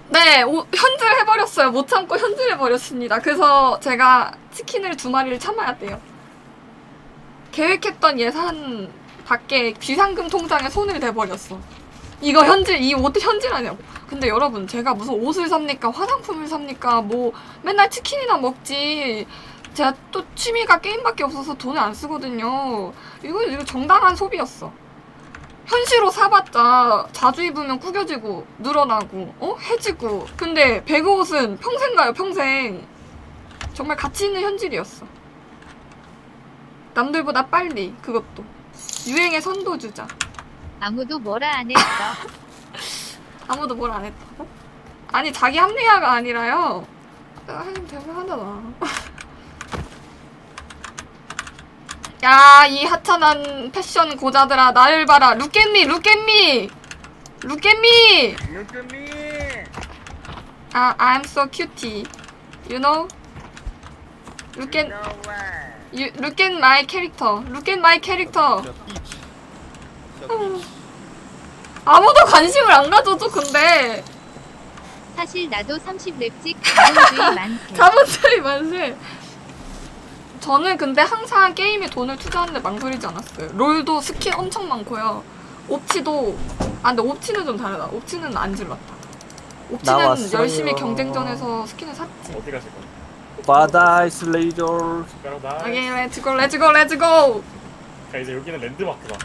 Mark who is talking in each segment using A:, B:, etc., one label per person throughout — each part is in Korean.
A: 네, 현질해버렸어요. 못 참고 현질해버렸습니다. 그래서 제가 치킨을 2마리를 참아야 돼요. 계획했던 예산 밖에 비상금 통장에 손을 대버렸어. 이거 이 옷 현질하냐고. 근데 여러분, 제가 무슨 옷을 삽니까? 화장품을 삽니까? 뭐 맨날 치킨이나 먹지. 제가 또 취미가 게임밖에 없어서 돈을 안 쓰거든요. 이거 정당한 소비였어. 현시로 사봤자 자주 입으면 구겨지고 늘어나고 해지고. 근데 배그옷은 평생 가요, 평생. 정말 가치 있는 현질이었어. 남들보다 빨리. 그것도 유행의 선도주자.
B: 아무도 뭐라 안 했어.
A: 아무도 뭘 안 했다고? 아니, 자기 합리화가 아니라요. 내가 하긴 대단하잖아. 야, 이 하찮은 패션 고자들아, 나를 봐라. Look at me, look at me, look at me.
C: Look at me.
A: I'm so cutie. You know? Look at
C: No way.
A: look at my character. Look at my character. 아무도 관심을 안 가져줘. 근데
B: 사실 나도 30렙씩 자본주의 많대.
A: 자본주의 만세. 저는 근데 항상 게임에 돈을 투자하는데 망설이지 않았어요. 롤도 스킨 엄청 많고요. 옵치도 근데 옵치는 좀 다르다. 옵치는 안 질렀다. 옵치는
D: 나왔어요.
A: 열심히 경쟁전에서 스킨을 샀지.
C: 어디 가실 거야?
D: 바다이스 레이저.
C: 숟가락 나.
A: 오케이, 렛츠고 렛츠고 렛츠고.
C: 자, 이제 여기는 랜드마크다.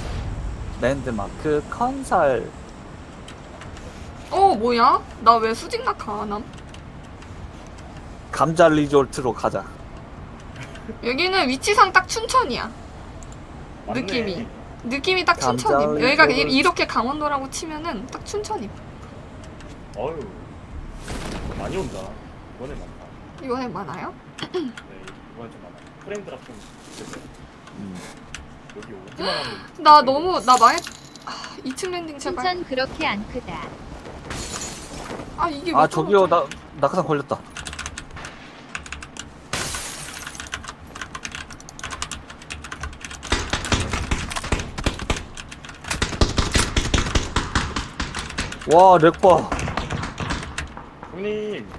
D: 랜드마크 컨설.
A: 뭐야? 나 왜 수직 낙하 안 함?
D: 감자 리조트로 가자.
A: 여기는 위치상 딱 춘천이야.
C: 맞네.
A: 느낌이 딱
D: 감자
A: 춘천임. 여기가
D: 리조트.
A: 이렇게 강원도라고 치면은 딱 춘천임.
C: 어휴. 많이 온다. 이번에 많다.
A: 이번에 많아요?
C: 네, 이번에 좀 많아. 프레임 드랍 좀 됐어요. 여기 오기만 하면.
A: 나 망했. 2층 랜딩 제발.
B: 춘천 그렇게 안 크다.
A: 이게
D: 아
A: 왜
D: 저기요
A: 떨어져?
D: 낙하산 걸렸다. 와 렉봐.
C: 형님.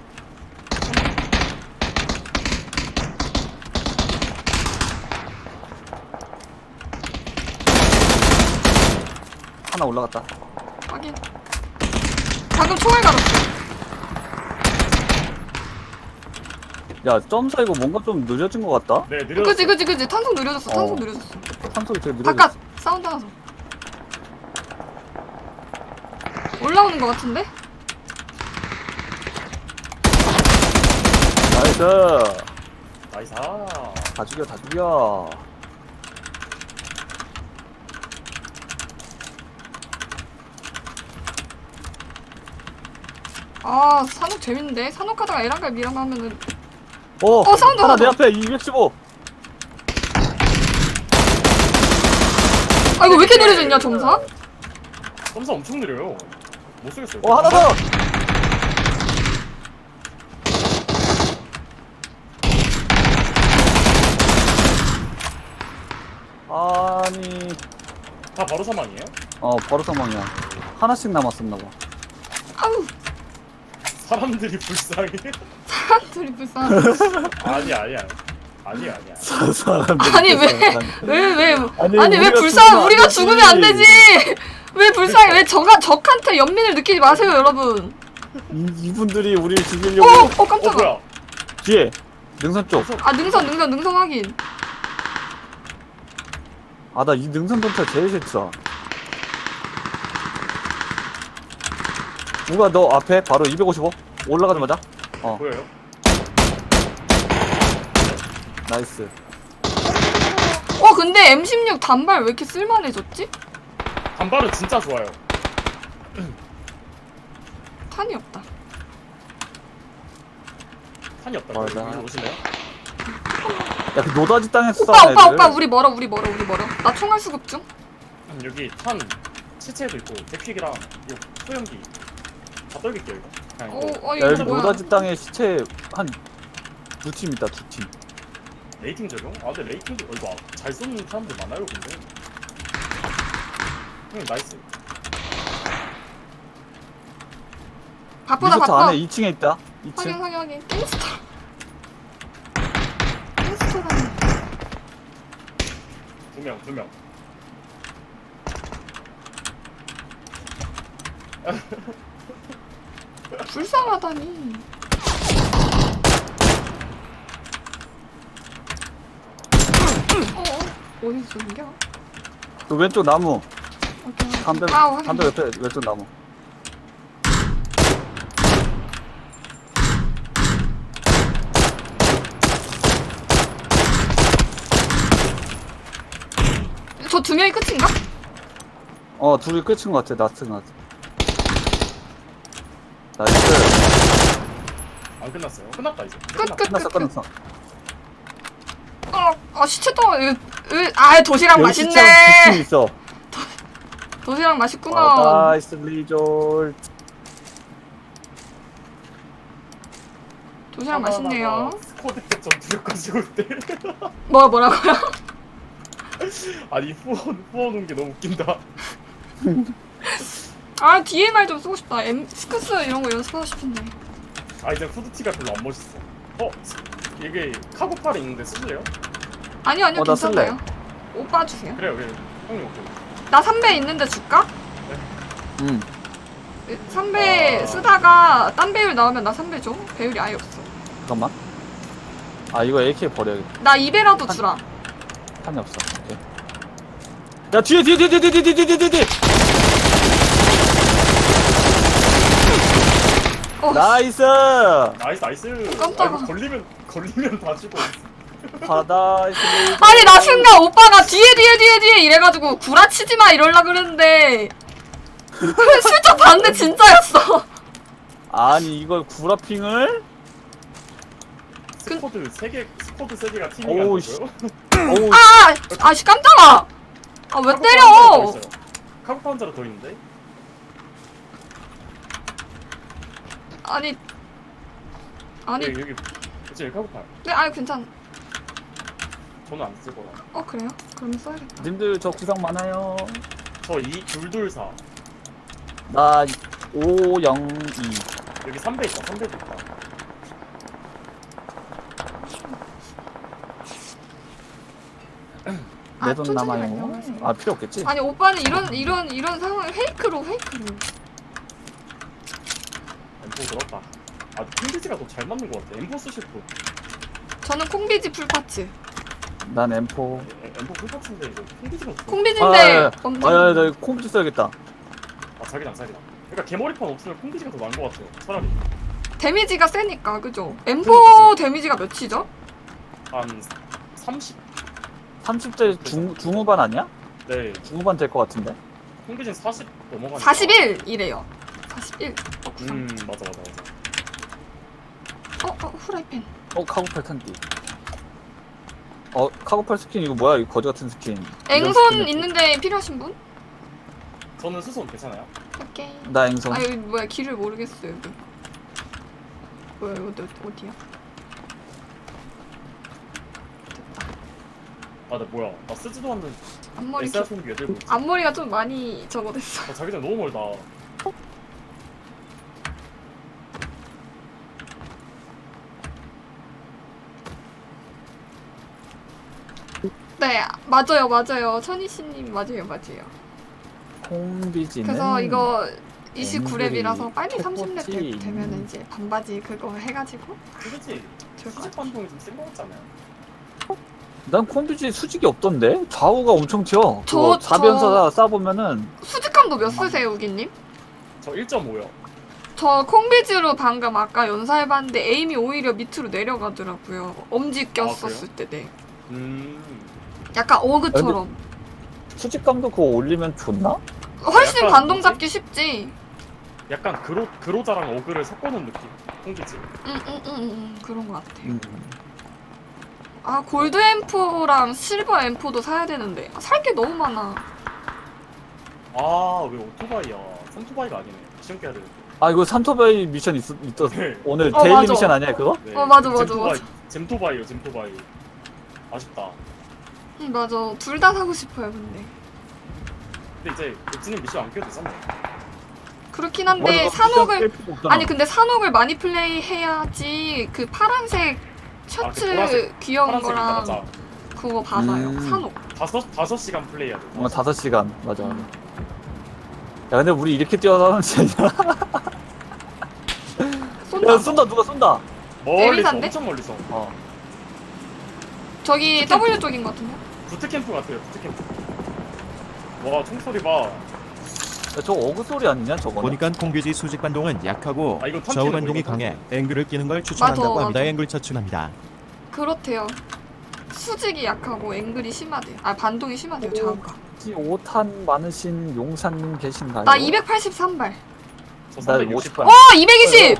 D: 하나 올라갔다.
A: 확인. 방금 총알 갈았어.
D: 야 점사 이거 뭔가 좀 느려진 것 같다.
C: 네, 느려졌어.
A: 그치. 탄속 느려졌어. 탄속
D: 어.
A: 느려졌어.
D: 탄소리 되게 느려졌어.
A: 바깥 사운드 나서. 올라오는 것 같은데?
D: 나이스.
C: 나이스.
D: 다 죽여 다 죽여.
A: 산옥 재밌는데? 산옥 하다가 에란갈 미랑 하면은. 사운드
D: 하나
A: 하나
D: 내
A: 더.
D: 앞에 215.
A: 이거 왜 이렇게 느려졌냐, 점사?
C: 점사 엄청 느려요. 못 쓰겠어요.
D: 하나 더. 아니
C: 다 바로 사망이에요?
D: 바로 사망이야. 하나씩 남았었나봐.
A: 아우,
C: 사람들이 불쌍해.
A: 사람들이 불쌍하다.
C: 아니야.
D: 사람들
A: 아니, 왜
D: 아니,
A: 왜
D: 우리가
A: 불쌍, 우리가
D: 죽으면
A: 죽으면
D: 안
A: 안 되지! 왜 불쌍해? 왜 적한테 연민을 느끼지 마세요, 여러분.
D: 이분들이 우리를 죽이려고.
A: 깜짝아.
C: 뭐야?
D: 뒤에 능선 쪽.
A: 능선 확인.
D: 나 이 능선 전차 제일 싫다. 우가 너 앞에 바로 255 올라가자마자.
C: 보여요?
D: 나이스.
A: 근데 M16 단발 왜 이렇게 쓸만해졌지?
C: 단발은 진짜 좋아요.
A: 탄이 없다.
C: 탄이 없다고.
D: 맞아.
C: 여기로 오실래요?
D: 야, 그 노다지 땅에서 싸우는 애들.
A: 오빠, 우리 멀어. 나 총알 수급 중.
C: 여기 탄 시체도 있고 데퀵이랑 이 소형기 다 떨길게요 이거. 그냥 이거
D: 야, 여기
A: 이거 뭐야?
D: 노다지 땅에 시체 한 2팀 있다, 2팀.
C: 레이팅 적용? 근데 레이팅도 이거 잘 쏘는 사람들 많아요 근데. 나이스.
A: 바쁘다
D: 리조트
A: 바빠.
D: 안에 2층에 있다. 2층.
A: 확인. 갱스터. 갱스터다니.
C: 두 명.
A: 불쌍하다니. 어디서 쏘는겨?
D: 그 왼쪽 나무.
A: 오케이.
D: 담배
A: 확인.
D: 담배 옆에 왼쪽 나무.
A: 저 두 명이 끝인가?
D: 둘이 끝인 것 같아. 나스인 것 같아. 나이스.
C: 안 끝났어요. 끝났다 이제.
D: 끝났어.
A: 시체 또, 도시락
D: 여기
A: 맛있네.
D: 시청 2층 있어.
A: 도시락 맛있구나.
D: 나이스 리졸.
A: 도시락 맛있네요.
C: 스쿼드 때 전투력까지 올 때.
A: 뭐라고요?
C: 아니 후원 온 게 너무 웃긴다.
A: DMR 좀 쓰고 싶다. 스크스 이런 거 연습하고 싶은데.
C: 이제 후드티가 별로 안 멋있어. 이게 카고팔이 있는데 쓰실래요?
A: 아니요,
D: 나
A: 괜찮아요. 오빠 주세요.
C: 그래요. 형님 오케이.
A: 나 3배 있는데 줄까?
D: 응.
A: 3배 쓰다가 딴 배율 나오면 나 3배 줘. 배율이 아예 없어.
D: 잠깐만. 이거 AK 버려야겠다.
A: 나 2배라도 주라.
D: 탄이 없어. 오케이. 야 뒤에. 나이스.
C: 나이스.
A: 깜짝아.
C: 이거 걸리면 다 죽어.
D: 바다이스 리졸.
A: 아니 나 순간 오빠가 뒤에 이래가지고 구라치지 마 이럴라 그랬는데 슬쩍 봤는데 진짜였어.
D: 아니 이걸 구라핑을?
C: 스쿼드 3개가 팀이
D: 오우,
C: 가는
D: 씨.
C: 거예요?
D: 어우.
A: 아씨 깜짝아. 왜 때려?
C: 카고팔 한자로 더 있는데?
A: 아니
C: 여기 그치 카고팔.
A: 네 괜찮.
C: 저는 안 쓸 거라.
A: 그래요? 그럼 써야겠다.
D: 님들 저 구상 많아요.
C: 저 224.
D: 나 502.
C: 여기 3배 있다. 3배도 있다.
D: 내 돈
A: 천천히
D: 남아요.
A: 말씀하세요.
D: 필요 없겠지?
A: 아니 오빠는 이런 상황을 페이크로.
C: M4 들었다. 콩비지가 더 잘 맞는 것 같아. M4 쓰실 분.
A: 저는 콩비지 풀파츠.
D: 난 M4.
C: M4 풀파츠인데 이거 콩비지가 더.
A: 콩비지인데
D: 나 이거 콩비지 써야겠다.
C: 자기랑. 그러니까 개머리판 없으면 콩비지가 더 나은 것 같아요. 차라리.
A: 데미지가 세니까 그죠? M4 데미지가 몇이죠?
C: 한 30?
D: 30대 중후반 아니야?
C: 네.
D: 중후반 될 것 같은데?
C: 콩비지는 40 넘어가니까.
A: 41이래요. 41.
C: 맞아.
A: 후라이팬.
D: 카고팔 탄띠. 카고팔 스킨 이거 뭐야? 이 거지 같은 스킨. 이런
A: 앵손
D: 스킨을
A: 있는데 필요하신 분?
C: 저는 수손 괜찮아요?
A: 오케이.
D: 나 앵손.
A: 여기 뭐야 길을 모르겠어요 여기. 뭐야 이거 어디야?
C: 나 뭐야? 나 쓰지도 않는
A: 앞머리
C: SR 손기 왜 들고 있지?
A: 앞머리가 좀 많이 저거 됐어.
C: 자기장 너무 멀다.
A: 네 맞아요 천희씨님 맞아요.
D: 콩비지는.
A: 그래서 이거 29렙이라서 빨리
D: 앵글이
A: 30렙 되면 이제 반바지 그거 해가지고
C: 그렇지.
A: 좋을 것
C: 수직
A: 같아.
C: 반동이 좀 센 것 같잖아요.
D: 난 콩비지 수직이 없던데? 좌우가 엄청 튀어.
A: 저-
D: 그거 4변사 쏴보면은
A: 수직감도 몇 쓰세요 우기님?
C: 저 1.5요.
A: 저 콩비지로 방금 아까 연사해봤는데 에임이 오히려 밑으로 내려가더라고요. 엄지 꼈었을 때. 네. 약간 어그처럼.
D: 수직감도 그거 올리면 좋나?
A: 훨씬
C: 약간
A: 반동
C: 뭐지?
A: 잡기 쉽지.
C: 약간 그로자랑 어그를 섞어놓은 느낌. 콩비지.
A: 그런 것 같아. 골드 M4랑 실버 M4도 사야 되는데 살 게 너무 많아.
C: 왜 오토바이야? 삼토바이가 아니네. 시험 깨야 되는데.
D: 이거 산토바이 미션 있었어.
C: 네.
D: 오늘
A: 어,
D: 데일리
A: 맞아.
D: 미션 아니야 그거?
C: 네.
A: 맞아.
C: 잼토바이요. 아쉽다.
A: 맞아. 둘 다 사고 싶어요 근데.
C: 근데 이제 엑지님 미션 안 껴도 되잖아요.
A: 그렇긴 한데
D: 맞아,
A: 산옥을
D: 뺄 필요 없잖아.
A: 아니 근데 산옥을 많이 플레이해야지 그 파란색 셔츠
C: 보라색,
A: 귀여운
C: 파란색 있다,
A: 거랑
C: 맞아.
A: 그거 받아요.
D: 음.
A: 산옥.
C: 5시간 플레이해야 돼.
D: 5시간 맞아. 야 근데 우리 이렇게 뛰어나가는 지 아니야?
A: 쏜다.
D: 야 쏜다 누가 쏜다.
C: 멀리서
A: 에미사인데?
C: 엄청 멀리서.
D: 어.
A: 저기 W 쪽인 것 같은데.
C: 부트캠프 같아요. 부트캠프. 와 총소리 봐.
D: 야, 저거 어그 소리 아니냐 저거는?
E: 보니까 콩규지 수직 반동은 약하고
C: 아, 이거 턴
E: 좌우
C: 튀는
E: 반동이
C: 거, 이거
E: 강해
C: 턴
E: 앵글을 끼는 걸 추천한다고
A: 맞아,
E: 합니다.
A: 맞아.
E: 앵글 추천합니다.
A: 그렇대요. 수직이 약하고 앵글이 심하대요. 아 반동이 심하대요. 좌우가.
D: 혹시 5탄 많으신 용사님 계신가요?
A: 나 283발.
C: 저
D: 나
C: 360.
D: 50발.
A: 어 220.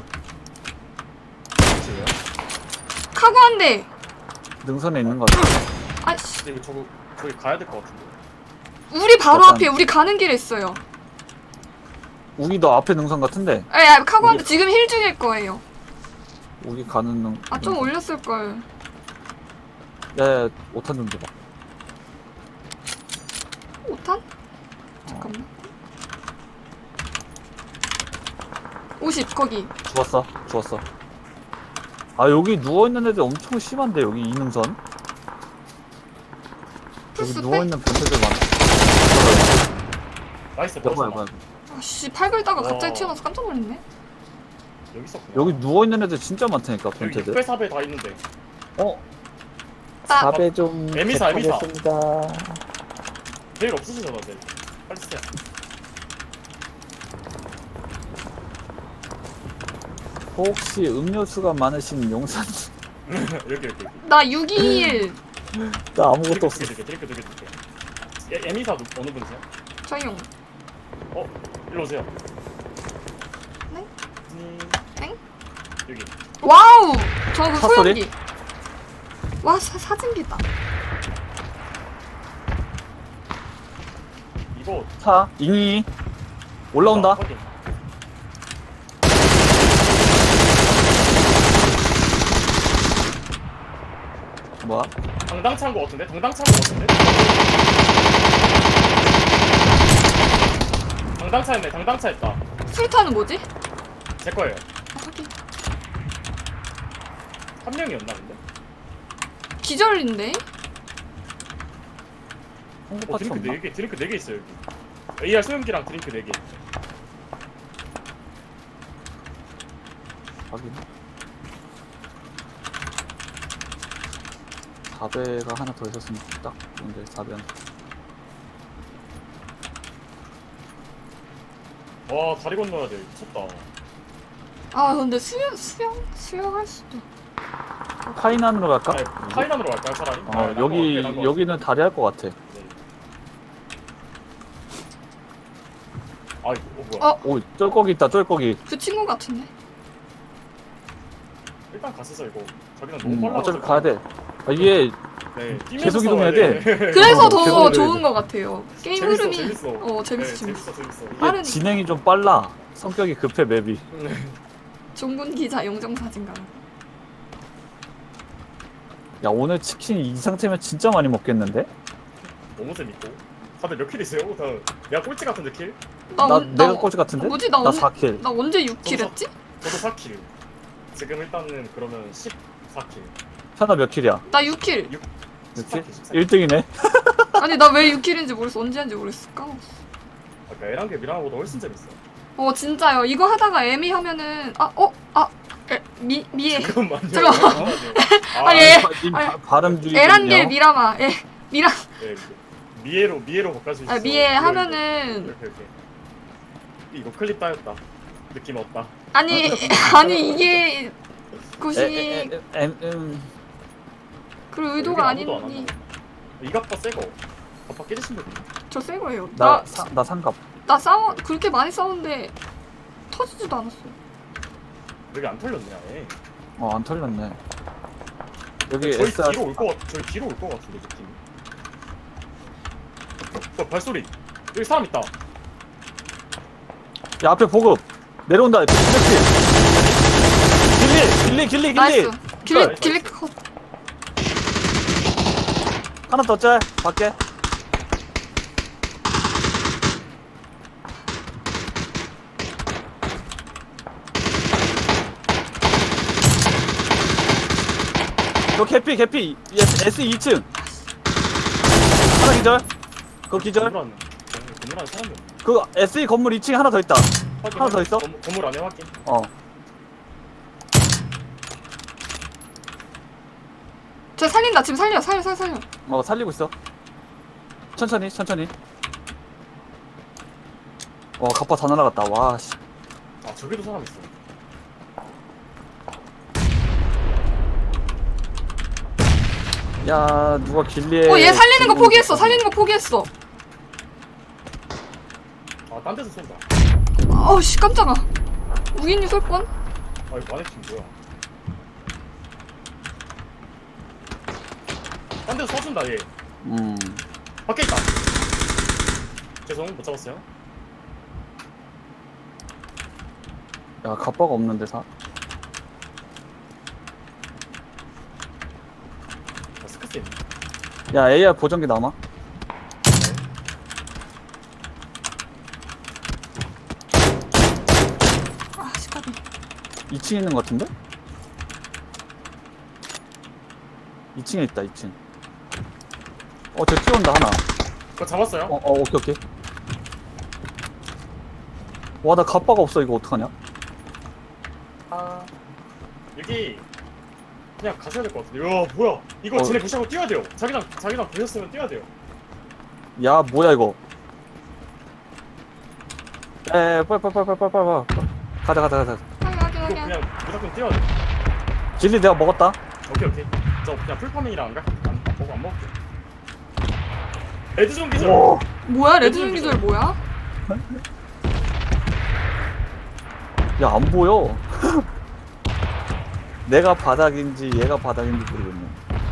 A: 카고 한 대.
D: 능선에 있는 거 같아.
A: 아씨.
C: 근데 이거 저기 가야 될 것 같은데.
A: 우리 바로
D: 약간-
A: 앞에 우리 가는 길에 있어요.
D: 우리 너 앞에 능선 같은데?
A: 에 카고 한 대 지금 힐 중일 거예요.
D: 우리 가는 능.
A: 아 좀 올렸을 걸.
D: 야 5탄 좀 줘봐.
A: 5탄? 잠깐만. 50 거기.
D: 죽었어. 죽었어. 아 여기 누워있는 애들 엄청 심한데 여기 이 능선? 여기
A: 풀스 빼?
D: 누워있는 변태들 많아.
C: 나이스.
D: 여봐
C: 벌써
D: 여봐.
A: 아씨 팔 긁다가 갑자기
C: 와.
A: 튀어나와서 깜짝 놀랐네.
C: 여기 있었구나.
D: 여기 누워있는 애들 진짜 많다니까
C: 여기
D: 변태들.
C: 6배 4배 다 있는데.
D: 어?
A: 아.
D: 4배 좀
C: 에미사.
D: 부탁하겠습니다.
C: 제일 없으시잖아, 네. 빨리 쓰세요.
D: 혹시 음료수가 많으신 용사님?
C: 여기.
A: 나 621.
D: 나 아무것도 없어.
C: 드링크. 에미사 어느 분이세요?
A: 저용.
C: 일로 오세요.
A: 네?
C: 네. 여기.
A: 와우. 저그
D: 차 소리?
A: 소형기. 와 사진기다.
C: 이거
D: 차 잉이 올라온다.
C: 확인.
D: 뭐야?
C: 당당 찬 거 같은데? 당당 차였네. 당당 차였다.
A: 술탄은 뭐지?
C: 제 거예요.
A: 아, 하긴.
C: 한 명이었나 근데?
A: 기절인데?
D: 홍보 파츠 없나?
C: 드링크 4개 있어요 여기. AR 소염기랑 드링크 4개.
D: 확인. 4배가 하나 더 있었으면 딱 좋은데 4배는
C: 와 다리 건너야 돼. 미쳤다.
A: 아 근데 수영할 수도.
D: 카이난으로 갈까?
C: 아니, 카이난으로 갈까요 차라리?
D: 여기는 다리 할 것 같아.
C: 네. 아 이거 뭐야?
D: 오 쫄거기 있다 쫄거기.
A: 그 친구 같은데?
C: 일단 갔었어 이거. 저기는
A: 음,
C: 너무 빨라.
D: 어차피 가야 돼. 아, 이게
C: 네. 뛰면서
D: 계속 이동해야
C: 싸워야
D: 돼.
A: 그래서 더
D: 죄송해요,
A: 좋은
D: 이거.
A: 것 같아요. 게임
C: 재밌어,
A: 흐름이
C: 재밌어.
A: 재밌어.
C: 네, 재밌어.
D: 이게
A: 빠르니까.
D: 진행이 좀 빨라. 성격이 급해 맵이.
A: 종군 기자 영정 사진가.
D: 야 오늘 치킨 이 상태면 진짜 많이 먹겠는데?
C: 너무 재밌고. 다들 몇 킬이세요? 다 내가 꼴찌 같은데 킬?
D: 내가 꼴찌 같은데?
A: 뭐지 나
D: 나
A: 언제
D: 4킬.
A: 나 언제 6킬 했지?
C: 저도 4킬. 지금 일단은 그러면 14킬.
D: 현아 몇 킬이야?
A: 나 6킬.
D: 6킬? 1등이네.
A: 아니 나 왜 6킬인지 모르겠어. 언제 한지 모르겠어. 까먹었어.
C: 아까 에란게 미랑보다 훨씬 재밌어.
A: 진짜요. 이거 하다가 에미 하면은 미에
C: 잠깐만요.
A: 잠깐만.
C: 아,
A: 아, 예.
D: 님
A: 아니,
D: 발음주의.
A: 에란겔 미라마. 미라.
C: 네, 미에로 바꿔주시죠.
A: 미에
C: 이거,
A: 하면은
C: 이렇게. 이거 클립 따였다. 느낌 없다.
A: 아니 이게 곳이 그 의도가
C: 여기 아무도 안
A: 아니니.
C: 한다. 이 갑바 새거. 갑바 깨지신 분.
A: 저 새 거예요.
D: 나 상갑.
A: 나 그렇게 많이 싸웠는데 터지지도 않았어.
C: 여기 안 털렸네 아예.
D: 안 털렸네. 여기
C: 저희
D: SR.
C: 뒤로 저희 뒤로 올 것 같은데 느낌이. 발소리. 여기 사람 있다.
D: 야 앞에 보급 내려온다. 길리.
A: 나이스.
C: 나이스.
A: 길리 컷.
D: 하나 더 짤. 밖에. 너 개피 S 2층 하나 기절. 그거 기절.
C: 건물 안에 사람이 없네.
D: 그 SE 건물 2층에 하나 더 있다.
C: 확인,
D: 하나 더 있어?
C: 건물 안에 확인.
D: 어.
A: 쟤 살린다. 지금 살려.
D: 살리고 있어. 천천히. 와, 갑바 다 날아갔다. 와, 씨.
C: 아 저기도 사람 있어.
D: 야, 누가 길리에.
A: 얘 살리는 거 포기했어.
C: 아 딴 데서 쏜다.
A: 아우 씨 깜짝아. 우기님 쏠 뻔.
C: 아 이거 마네킹 뭐야? 딴 데서 쏴준다 얘. 밖에 있다. 죄송 못 잡았어요.
D: 야, 갑바가 없는데, 사.
C: 아, 스크스 있네.
D: 야, AR 보정기 남아.
A: 아 시까비.
D: 2층에 있는 것 같은데? 2층에 있다, 2층. 쟤 뛰어온다, 하나.
C: 그거 잡았어요?
D: 오케이. 와, 나 갑바가 없어, 이거 어떡하냐?
C: 아 여기 그냥 가셔야 될 것 같은데. 야 뭐야? 이거 쟤네 무시하고 뛰어야 돼요. 자기랑 보셨으면 뛰어야 돼요.
D: 야, 뭐야, 이거. 빨리. 가자.
A: 확인.
C: 이거 그냥 무조건 뛰어야 돼.
D: 길리 내가 먹었다.
C: 오케이. 저 그냥 풀파밍이랑 안 먹을게. 레드존 기절.
A: 뭐야 레드존 기절 뭐야?
D: 야, 안 보여. 내가 바닥인지 얘가 바닥인지 모르겠네.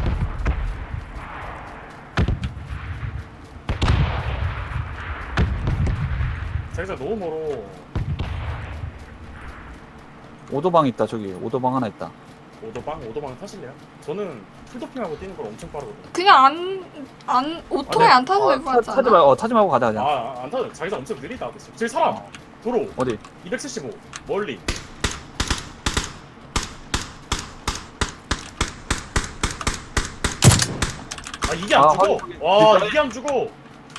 C: 자기가 너무 멀어.
D: 오도방 있다, 저기. 오도방 하나 있다.
C: 오도방 타실래요? 저는 풀도핑하고 뛰는 걸 엄청 빠르거든요.
A: 그냥 오토바이 안 타서 될것 같지
D: 타지
A: 않아?
D: 말고, 타지 말고 가자, 그냥.
C: 안 타죠. 자기가 엄청 느리다. 저기 사람. 도로
D: 어디?
C: 275 멀리. 아 이게 안 죽어.
D: 확인.
C: 와
D: 뒷다리?
C: 이게 안 죽어.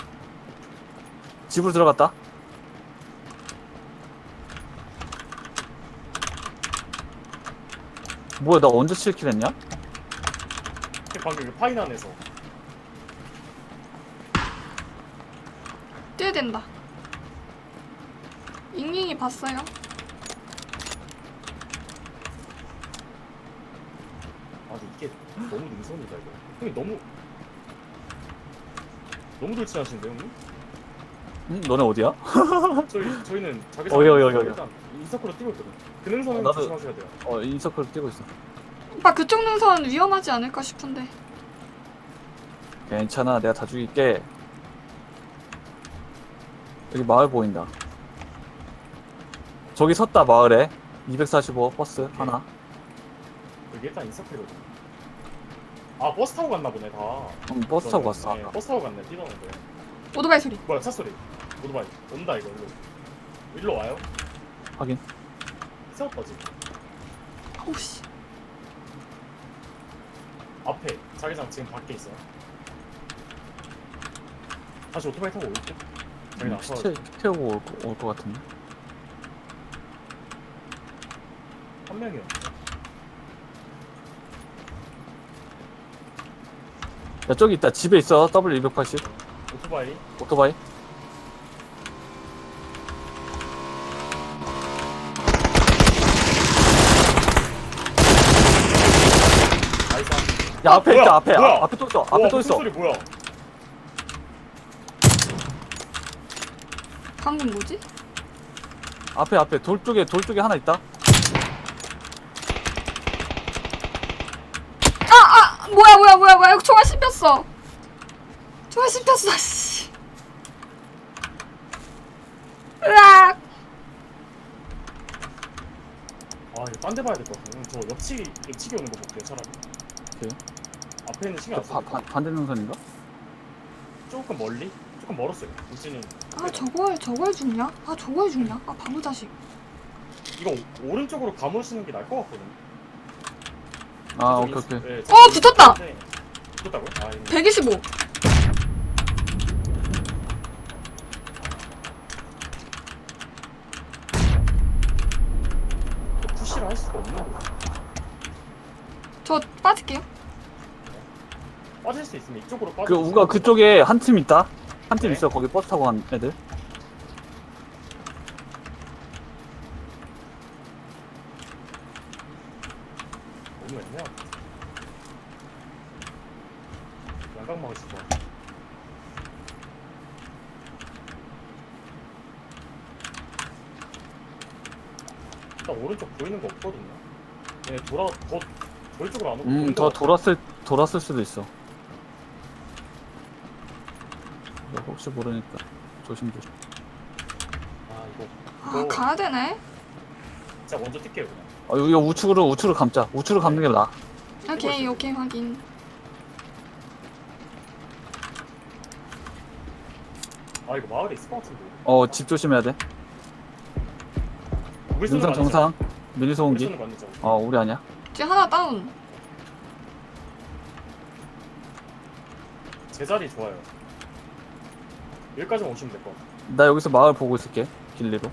D: 집으로 들어갔다. 뭐야, 나 언제 7킬 했냐?
C: 방금 그 파인 안에서.
A: 뛰어야 된다. 잉잉이 봤어요?
C: 아니 이게 너무 능선이다 이거. 형님 너무 돌진하시는데 형님?
D: 응? 너네 어디야?
C: 저희는 자기
D: 여기.
C: 일단 인서클로 뛰고 있거든. 그 능선은
D: 나도-
C: 조심하셔야 돼요.
D: 인서클 뛰고 있어.
A: 오빠 그쪽 능선 위험하지 않을까 싶은데.
D: 괜찮아, 내가 다 죽일게. 여기 마을 보인다. 저기 섰다, 마을에. 245 버스 하나.
C: 여기 일단 인서클이거든. 아 버스 타고 갔나 보네 다.
D: 버스 타고 갔어.
C: 네, 버스 타고 갔네 뛰던데.
A: 오토바이 소리.
C: 뭐야 차 소리. 오토바이 온다 이거 일로 와요?
D: 확인.
C: 세웠다 지금.
A: 오우 씨.
C: 앞에 자기장 지금 밖에 있어요. 다시 오토바이 타고 올게. 자기 나서
D: 피 태우고 올 것 같은데.
C: 한 명이요.
D: 야, 저기 있다. 집에 있어. W280.
C: 오토바이.
D: 오토바이.
C: 나이스.
D: 야, 앞에
C: 뭐야?
D: 있다. 앞에.
C: 뭐야?
D: 앞에 또 있어. 앞에 또 있어.
C: 소리 뭐야?
A: 방금 뭐지?
D: 앞에 돌 쪽에 하나 있다.
A: 뭐야 총알 씹혔어. 씨. 으악.
C: 아 이거 딴 데 봐야 될 것 같아. 저 옆치기 오는 거 볼게요 차라리.
D: 오케이.
C: 앞에 있는 신경 안 써.
D: 반대 능선인가?
C: 조금 멀리? 조금 멀었어요. 우진이.
A: 아 저거에 죽냐? 아 바보 자식.
C: 이거 오른쪽으로 감으시는 게 나을 것 같거든.
D: 아, 오케이, 오케이.
C: 네,
A: 붙었다!
C: 붙었다고요? 아, 이거
A: 125.
C: 푸시를 할 수가 없는 거.
A: 저 빠질게요.
C: 빠질 수 있으면 이쪽으로 빠져.
D: 그 우가 그쪽에 한 팀 있다. 한 팀
C: 네.
D: 있어. 거기 버스 타고 간 애들.
C: 너무 애매하다. 양각 막을 수가. 일단 오른쪽 보이는 거 없거든요. 얘 더 저희 쪽으로 안 오고. 보는
D: 더
C: 거 같아.
D: 돌았을 수도 있어. 너 혹시 모르니까 조심조심.
C: 아 이거
A: 아, 가야 되네.
C: 진짜 먼저 뛸게요 그냥.
D: 여기 우측으로 감자. 우측으로 감는 게 나아.
A: 오케이, 오케이, 확인.
C: 아 이거 마을에 있을 것 같은데.
D: 집 조심해야 돼.
C: 우리 쏘는 거
D: 능선
C: 아니죠?
D: 정상. 미니
C: 우리
D: 소음기.
C: 쏘는 거 아니죠?
D: 우리 아니야.
A: 지금 하나 다운.
C: 제 자리 좋아요. 여기까지만 오시면 될 것 같아요.
D: 나 여기서 마을 보고 있을게. 길리로.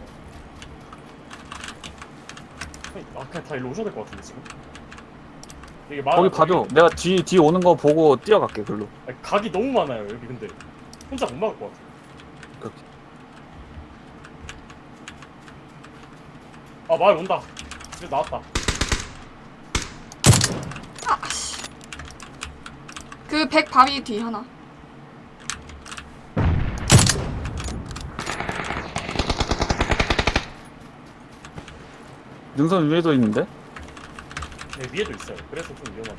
C: 그냥 다 일로 오셔야 될 것 같은데 지금. 이게 마을
D: 거기 봐줘. 내가 뒤 오는 거 보고 뛰어갈게. 글로.
C: 아니, 각이 너무 많아요 여기 근데 혼자 못 막을 것 같아.
D: 그렇게.
C: 아 마을 온다. 집에 나왔다.
A: 아, 씨. 그 100 바위 뒤 하나.
D: 능선 위에도 있는데?
C: 네 위에도 있어요. 그래서 좀 위험하다.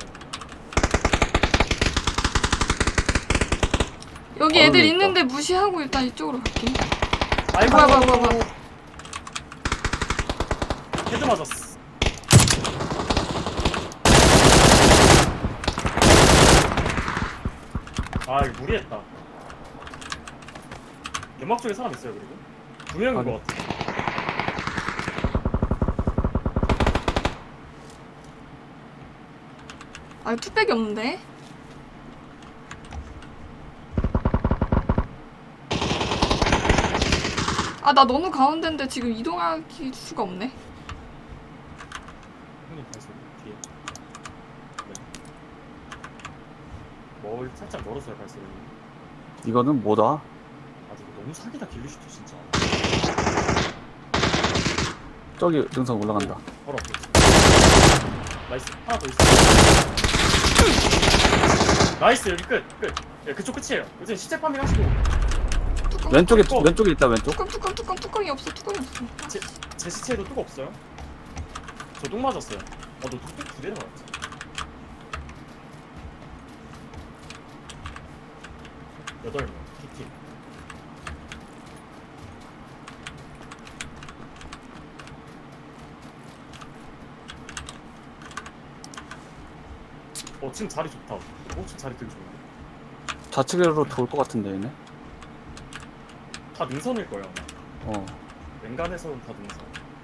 A: 여기 애들
D: 있다.
A: 있는데 무시하고 일단 이쪽으로 갈게.
C: 아이고
A: 뭐야.
C: 헤드 맞았어. 아 이거 무리했다. 연막 쪽에 사람 있어요 그리고 두 명인
D: 아니.
C: 것 같아.
A: 아, 투백이 없는데? 아, 나 너무 가운데인데 지금 이동할 수가 없네.
C: 형님 발소리 뒤에. 네. 뭘 살짝 멀었어요 발소리.
D: 이거는 뭐다?
C: 아 이거 너무 사기다 길리슈트 진짜.
D: 저기 능선 올라간다.
C: 바로 앞에 있어. 나이스 하나 더 있어. 나이스 여기 끝. 예, 그쪽 끝이에요. 요즘 시체 파밍 하시고
A: 뚜껑,
D: 왼쪽에
C: 뚜껑.
D: 왼쪽에 있다. 왼쪽.
A: 뚜껑이 없어. 뚜껑이 없어.
C: 제 시체에도 뚝 없어요? 저 뚝 맞았어요. 너 뚝 두 대나 맞았지? 여덟 명 T팀. 지금 자리 좋다. 지금 자리 되게 좋은데.
D: 좌측으로 돌 것 같은데 얘네.
C: 다 능선일 거예요. 아마.
D: 어.
C: 왼간에서는 다 능선.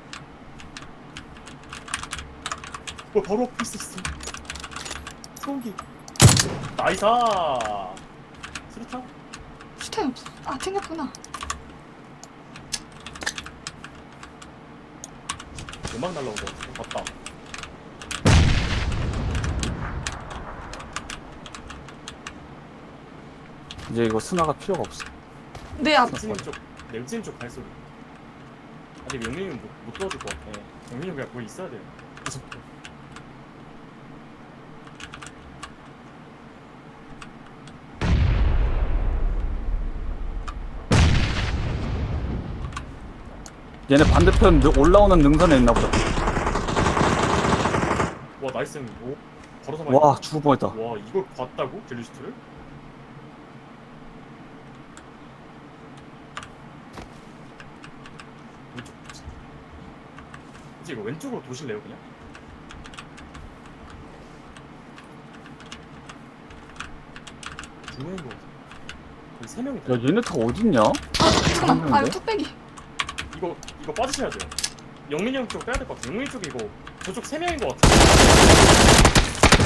C: 바로 앞에 있었어. 소음기. 나이사. 수류탄?
A: 슈타임 없어. 아, 챙겼구나.
C: 음악 날라온 거 같아. 맞다.
D: 이제 이거 스나가 필요가 없어.
A: 내 앞.
C: 네, 울진님 쪽 발소리. 아직 영민이는 못 도와줄 것 같아. 영민이 그냥 거기 있어야 돼요. 무섭게.
D: 얘네 반대편 올라오는 능선에 있나 보다.
C: 와 나이스 형님. 오 걸어서
D: 와, 죽을 뻔했다.
C: 와 이걸 봤다고? 딜리스트를? 왼쪽 이제 이거 왼쪽으로 도실래요 그냥? 두 명인 거 같아. 거의 세 명이
D: 야, 얘네 다 어딨냐?
A: 아, 잠깐만. 아,
D: 있는데?
A: 이거 뚝배기.
C: 이거 빠지셔야 돼요. 영민이 형 쪽 빼야 될 것 같아. 영민이 쪽이 이거 저쪽 세 명인 것 같아.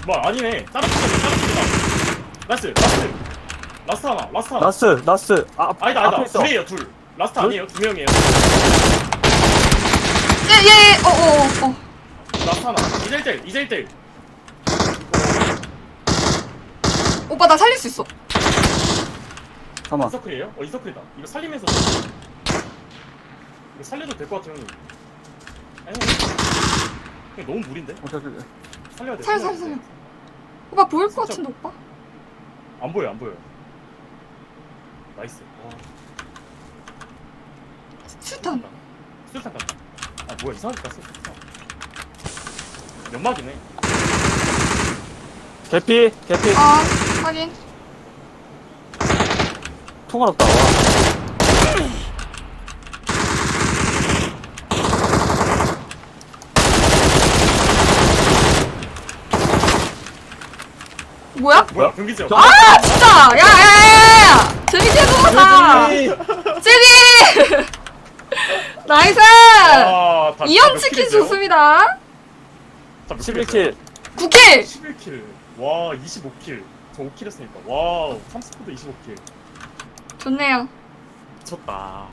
C: 뭐 아니네. 다른 팀이다. 나이스. 라스트 하나.
D: 나스. 아,
C: 아니다.
D: 앞에 있어.
C: 둘이에요, 둘. 라스트
D: 둘?
C: 아니에요. 2명이에요.
A: 예예.
C: 라스트 하나. 2대1.
A: 오빠 나 살릴 수 있어.
D: 잠깐만.
C: 이서클이에요? 이서클이다. 이거 살리면서. 이거 살려도 될 것 같아, 형님. 아니, 그냥 너무 무리인데?
D: 오케이.
C: 살려야 돼.
A: 살려. 오빠 보일 것 같은데 오빠?
C: 안 보여. 나이스.
A: 수탄.
C: 수류탄 간다. 아, 뭐야, 이상하게 갔어. 수류탄. 연막이네.
D: 개피.
A: 아 확인.
D: 통화 없다. 와.
A: 뭐야?
C: 뭐야, 경기지역.
A: 아 진짜. 야야야야. 재밌게 놀았다. 찌리. 나이스.
C: 아, 다
A: 이연
C: 몇
A: 치킨
C: 킬이세요?
A: 좋습니다.
C: 다 몇
D: 11킬.
A: 9킬.
C: 11킬. 와, 25킬. 저 5킬 했으니까. 와우, 30포도 25킬.
A: 좋네요.
C: 미쳤다.